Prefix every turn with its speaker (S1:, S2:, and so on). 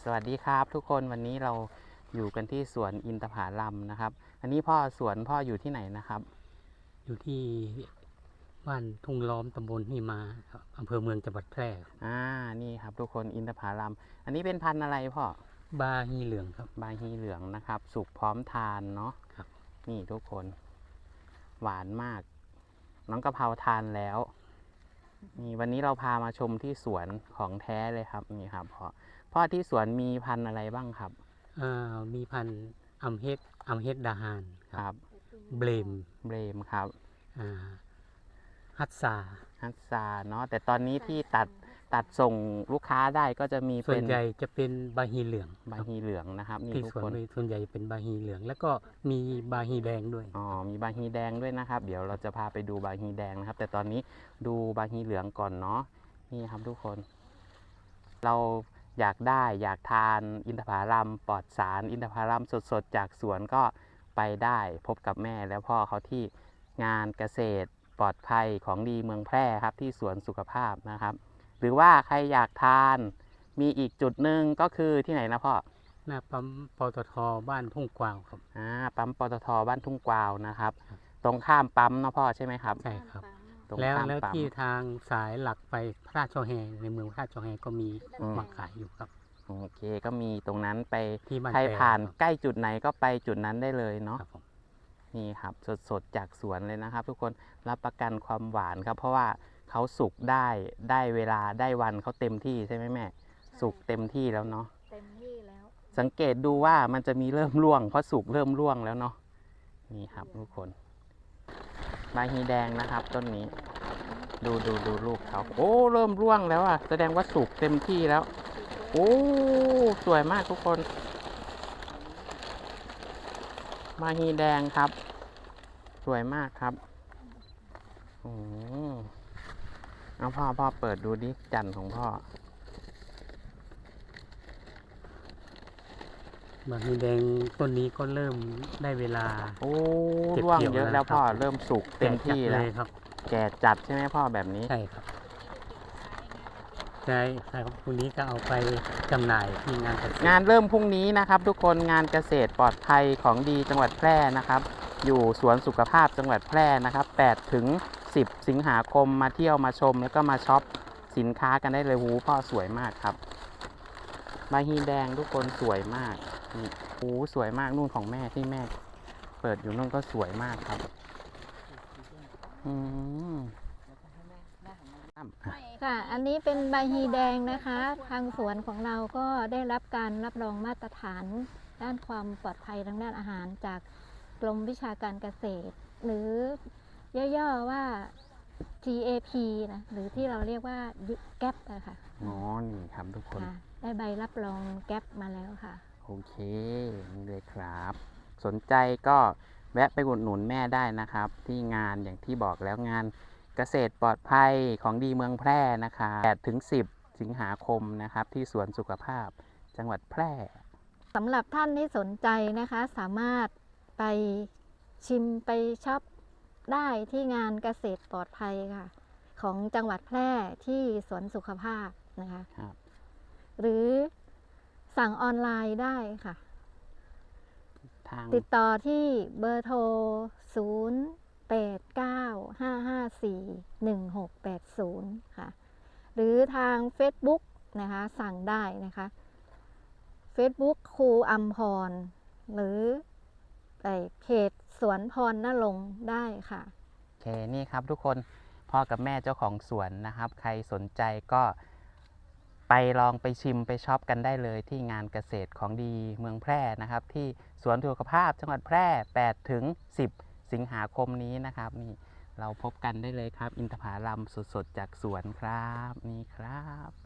S1: สวัสดีครับทุกคนวันนี้เราอยู่กันที่สวนอินทผลัมนะครับ อันนี้พ่อสวนพ่ออยู่ที่ไหนนะครับ
S2: อยู่ที่บ้านทุ่งล้อมตำบลนี่มาครับอำเภอเมืองจังหวัดแพร่ครับ
S1: นี่ครับทุกคนอินทผลัมอันนี้เป็นพันธุ์อะไรพ่อบ
S2: าฮีเหลืองครับ
S1: บาฮีเหลืองนะครับ สุกพร้อมทานเนาะ
S2: ครับ
S1: นี่ทุกคนหวานมาก น้องกะเพราทานแล้วนี่วันนี้เราพามาชมที่สวนของแท้เลยครับนี่ครับพ่อที่สวนมีพันธุ์อะไรบ้างครับ
S2: มีพันธุ์อัมเฮดดาฮาน
S1: ครับ
S2: เบลม
S1: เบรมครับ
S2: ฮัตซา
S1: ฮัตซาเนาะแต่ตอนนี้ที่ตัดส่งลูกค้าได้ก็จะมี
S2: ส่วนใหญ่จะเป็นบาฮีเหลือง
S1: บาฮีเหลืองนะครับนี่
S2: ที่
S1: ทุก
S2: สวน
S1: คน
S2: ส่วนใหญ่เป็นบาฮีเหลืองแล้วก็มีบาฮีแดงด้วย
S1: มีบาฮีแดงด้วยนะครับเดี๋ยวเราจะพาไปดูบาฮีแดงนะครับแต่ตอนนี้ดูบาฮีเหลืองก่อนเนาะนี่ครับทุกคนเราอยากทานอินทผลัมปลอดสารอินทผลัมสดๆจากสวนก็ไปได้พบกับแม่แล้วพ่อเขาที่งานเกษตรปลอดภัยของดีเมืองแพร่ครับที่สวนสุขภาพนะครับหรือว่าใครอยากทานมีอีกจุดหนึ่งก็คือที่ไหนนะพ่อ
S2: หน้าปั๊มปตทบ้านทุ่งกวาวครับ
S1: ปั๊มปตทบ้านทุ่งกวาวนะครับตรงข้ามปั๊มนะพ่อใช่ไหมครับ
S2: ใช่ครับแล้วที่ทางสายหลักไปพระราชช่อแฮในเมืองพระราชช่อแฮก็มีมาขายอยู่ครับ
S1: โอเคก็มีตรงนั้นไป
S2: ที่
S1: ใครผ่านใกล้จุดไหนก็ไปจุดนั้นได้เลยเนาะนี่ครับสดจากสวนเลยนะครับทุกคนรับประกันความหวานครับเพราะว่าเขาสุกได้เวลาได้วันเขาเต็มที่ใช่ไหมแม่สุกเต็มที่แล้วเนาะ
S3: เต็มที่แล้ว
S1: สังเกตดูว่ามันจะมีเริ่มร่วงเพราะสุกเริ่มร่วงแล้วเนาะนี่ครับทุกคนบาฮีแดงนะครับต้นนี้ดูลูกเขาโอ้เริ่มร่วงแล้วอ่ะแสดงว่าสุกเต็มที่แล้วโอ้สวยมากทุกคนบาฮีแดงครับสวยมากครับโอ้เอาพ่อเปิดดูดิจันทร์ของพ่
S2: อบาฮีแดงต้นนี้ก็เริ่มได้เวลา
S1: โอ้ร่วงเยอะแล้วพ่อเริ่มสุกเต็มที่แล้ว
S2: ครับ
S1: แก่จัดใช่ไหมพ่อแบบนี้
S2: ใช่ครับใช่ครับพรุ่งนี้ก็เอาไปจำหน่ายที่งานเกษตรง
S1: านเริ่มพรุ่งนี้นะครับทุกคนงานเกษตรปลอดภัยของดีจังหวัดแพร่นะครับอยู่สวนสุขภาพจังหวัดแพร่นะครับ8 ถึง 10 สิงหาคมมาเที่ยวมาชมแล้วก็มาช็อปสินค้ากันได้เลยหูพ่อสวยมากครับบาฮีแดงทุกคนสวยมากนี่หูสวยมากนู่นของแม่ที่แม่เปิดอยู่นู่นก็สวยมากครับ
S3: ค่ะอันนี้เป็นใบฮีแดงนะคะทางสวนของเราก็ได้รับการรับรองมาตรฐานด้านความปลอดภัยทางด้านอาหารจากกรมวิชาการเกษตรหรือย่อๆว่า GAP นะหรือที่เราเรียกว่าแก๊ปนะคะ
S1: นี่ครับทุกคน
S3: ได้ใบรับรองแก๊ปมาแล้วค่ะ
S1: โอเคนี่เลยครับสนใจก็แวะไปอุดหนุนแม่ได้นะครับที่งานอย่างที่บอกแล้วงานเกษตรปลอดภัยของดีเมืองแพร่นะคะ8 ถึง 10 สิงหาคมนะครับที่สวนสุขภาพจังหวัดแพร่
S3: สำหรับท่านที่สนใจนะคะสามารถไปชิมไปช็อปได้ที่งานเกษตรปลอดภัยค่ะของจังหวัดแพร่ที่สวนสุขภาพนะคะหรือสั่งออนไลน์ได้ค่ะติดต่อที่เบอร์โทร 0895541680 ค่ะหรือทาง Facebook นะคะสั่งได้นะคะ Facebook ครูอัมพรหรือเพจสวนพรณรงค์ได้ค่ะ
S1: โอเคนี่ครับทุกคนพ่อกับแม่เจ้าของสวนนะครับใครสนใจก็ไปลองไปชิมไปช็อปกันได้เลยที่งานเกษตรของดีเมืองแพร่นะครับที่สวนสุขภาพจังหวัดแพร่8 ถึง 10 สิงหาคมนี้นะครับนี่เราพบกันได้เลยครับอินทผลัมสดๆจากสวนครับนี่ครับ